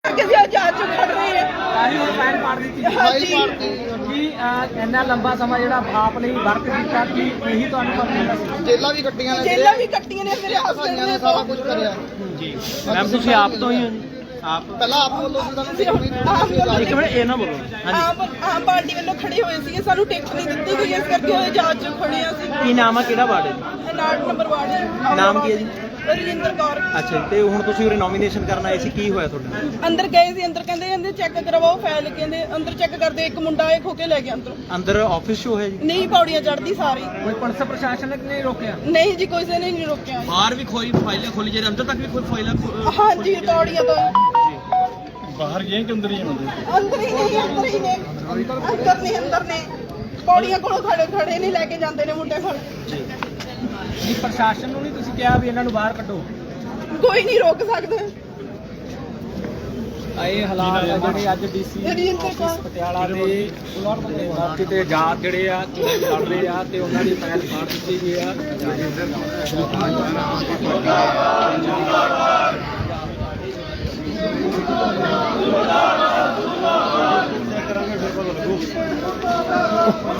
ਇੰਨਾ ਲੰਬਾ ਸਮਾਂ ਜਿਹੜਾ ਆਪ ਲਈ ਵਰਕ ਕੀਤਾ ਕਿ ਇਹੀ ਤੁਹਾਨੂੰ ਜੇਲਾਂ ਵੀ ਕੱਟੀਆਂ ਨੇ ਮੇਰੇ ਹਸਬੰਦ ਨੇ ਸਾਰਾ ਕੁਝ ਕਰਿਆ ਜੀ। ਮੈਮ ਤੁਸੀਂ ਆਪ ਤੋਂ ਹੀ ਹੋ ਜੀ? ਆਪ ਪਹਿਲਾਂ ਆਪ ਵੱਲੋਂ ਇੱਕ ਮਿੰਟ ਇਹ ਨਾ ਬੋਲੋ। ਆਮ ਪਾਰਟੀ ਵੱਲੋਂ ਖੜੇ ਹੋਏ ਸੀਗੇ, ਸਾਨੂੰ ਟਿਕਟ ਨਹੀਂ ਦਿੱਤੀ ਗਈ, ਇਸ ਕਰਕੇ ਉਹ ਜਾਂਚ ਚ ਖੜੇ ਆ ਸੀ। ਕੀ ਨਾਮ ਆ, ਕਿਹੜਾ ਵਾਰਡ ਹੈ? 59 ਨੰਬਰ ਵਾਰਡ। ਨਾਮ ਕੀ ਹੈ ਜੀ? ਰਜਿੰਦਰ ਕੌਰ। ਅੱਛਾ, ਤੇ ਹੁਣ ਤੁਸੀਂ ਉਰੇ ਨੋਮੀਨੇਸ਼ਨ ਕਰਨ ਆਏ ਸੀ, ਕੀ ਹੋਇਆ ਤੁਹਾਡਾ? ਅੰਦਰ ਗਏ ਸੀ, ਅੰਦਰ ਕਹਿੰਦੇ ਚੈੱਕ ਕਰਵਾਓ ਫਾਈਲ, ਕਹਿੰਦੇ ਅੰਦਰ ਚੈੱਕ ਕਰਦੇ, ਇੱਕ ਮੁੰਡਾ ਇਹ ਖੋ ਕੇ ਲੈ ਗਿਆ ਅੰਦਰੋਂ। ਅੰਦਰ ਆਫਿਸ ਸ਼ੋ ਹੈ ਜੀ? ਨਹੀਂ, ਪੌੜੀਆਂ ਚੜ੍ਹਦੀ ਸਾਰੀ। ਕੋਈ ਪੁਲਿਸ ਪ੍ਰਸ਼ਾਸਨ ਨੇ ਨਹੀਂ ਰੋਕਿਆ? ਨਹੀਂ ਜੀ, ਕਿਸੇ ਨੇ ਨਹੀਂ ਰੋਕਿਆ। ਬਾਹਰ ਵੀ ਕੋਈ ਫਾਈਲਾਂ ਖੋਲੀ ਜੇ ਅੰਦਰ ਤੱਕ ਵੀ ਕੋਈ ਫਾਈਲਾਂ? ਹਾਂਜੀ, ਪੌੜੀਆਂ ਤੋਂ ਬਾਹਰ ਗਏ ਕਿ ਅੰਦਰ ਹੀ ਅੰਦਰ ਹੀ ਨੇ ਅੰਦਰ ਨੇ ਪੌੜੀਆਂ ਕੋਲੋਂ ਖੜੇ ਨਹੀਂ, ਲੈ ਕੇ ਜਾਂਦੇ ਨੇ ਮੁੰਡੇ ਕੋਲ। ਜੀ, ਪ੍ਰਸ਼ਾਸਨ ਨੂੰ ਨਹੀਂ ਤੁਸੀਂ ਕਿਹਾ ਵੀ ਇਹਨਾਂ ਨੂੰ ਬਾਹਰ ਕੱਢੋ? ਕੋਈ ਨਹੀਂ ਰੋਕ ਸਕਦਾ। ਇਹ ਹਾਲਾਤ ਆ ਜਿਹੜੇ ਅੱਜ ਡੀਸੀ ਆਫਿਸ ਪਟਿਆਲਾ ਦੇ ਮੌਕੇ ਤੇ ਜਾਤ ਜਿਹੜੇ ਆ ਲੜ ਰਹੇ ਆ ਤੇ ਉਹਨਾਂ ਦੀ ਫਾਈਲ ਫਾੜ ਦਿੱਤੀ ਗਈ ਆ। ਕਰਾਂਗੇ ਫਿਰ ਪਤਾ ਲੱਗੂ।